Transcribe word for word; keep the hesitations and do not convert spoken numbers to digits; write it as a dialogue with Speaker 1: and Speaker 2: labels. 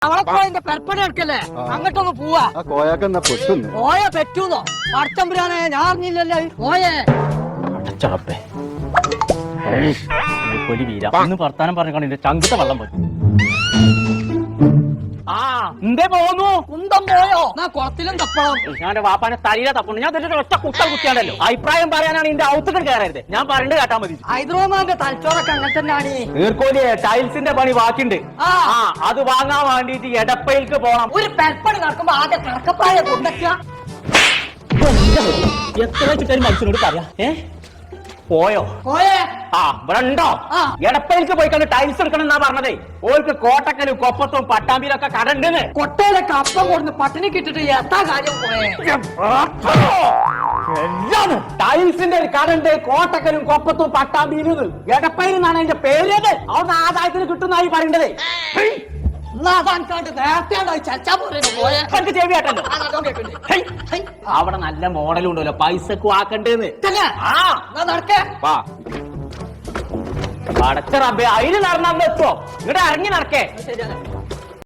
Speaker 1: അവളെ പോയതിന്റെ പെരപ്പണി എടുക്കല്ലേ അങ്ങോട്ടൊന്ന് പോവാ.
Speaker 2: കോയാക്കെന്നാ പെട്ടുന്നു.
Speaker 1: പോയ പെറ്റൂന്നോ? പടച്ചമ്പുരാനെ ഞാൻ അറിഞ്ഞില്ലല്ലോ. പോയേ
Speaker 3: പൊലി വീര ഇന്ന് വർത്താനം പറഞ്ഞാണ് എന്റെ ചങ്കത്തെ വെള്ളം പോയി. ആ എന്തേ പോന്നു?
Speaker 1: കുന്തം പോയോ? എന്നാ കുളത്തിലും തപ്പണം.
Speaker 3: ഞാൻ വാപ്പാനെ തലയിലെ തപ്പുണ്ട്. ഞാൻ ഇതിന്റെ ഒറ്റ കുട്ട കുത്തിയാണല്ലോ. അഭിപ്രായം പറയാനാണ് എന്റെ ഔത്തുകൾ കയറരുത്. ഞാൻ പറഞ്ഞിട്ട് കേട്ടാ മതി.
Speaker 1: ഹൈദ്രോമാന്റെ തലച്ചോറൊക്കെ അങ്ങനെ തന്നെയാണ്.
Speaker 3: നീർക്കോലിയെ ടൈൽസിന്റെ പണി ബാക്കിണ്ട്. ആ അത് വാങ്ങാൻ വേണ്ടിട്ട് എടപ്പയിലേക്ക് പോണം.
Speaker 1: ഒരു പെരപ്പണി നടക്കുമ്പോ ആദ്യം കിടക്കപ്പായ കൊണ്ടൊക്കെ
Speaker 3: എത്ര വെച്ചിട്ട് മനുഷ്യനോട് പറയാ. ഏ പോയോ?
Speaker 1: പോയേ.
Speaker 3: ആ ഇവിടെ ഉണ്ടോ? എടപ്പയിലേക്ക് പോയി കണ്ട് ടൈൽസ് എടുക്കണം എന്നാ പറഞ്ഞതേ. ഓർക്ക് കോട്ടക്കലും കൊപ്പത്തും പട്ടാമ്പിയിലൊക്കെ കടണ്ടെന്ന്.
Speaker 1: കൊട്ടയിലൊക്കെ അപ്പം കൊടുന്ന് പട്ടിണി കിട്ടിട്ട് എത്താ കാര്യം പോയേ.
Speaker 3: ടൈൽസിന്റെ ഒരു കടണ്ട് കോട്ടക്കലും കൊപ്പത്തും പട്ടാമ്പിയിലും. എടപ്പയിൽ നിന്നാണ് അതിന്റെ പേര്. അവിടെ ആദായത്തിന് കിട്ടുന്നായി പറയേണ്ടത്. അവിടെ നല്ല മോഡലും ഉണ്ടല്ലോ പൈസക്ക് ആക്കണ്ടേന്ന്. പടച്ച റബ്ബേ അതിന് നടന്നാ എത്തുവോ? ഇങ്ങോട്ട് ഇറങ്ങി നടക്കേ.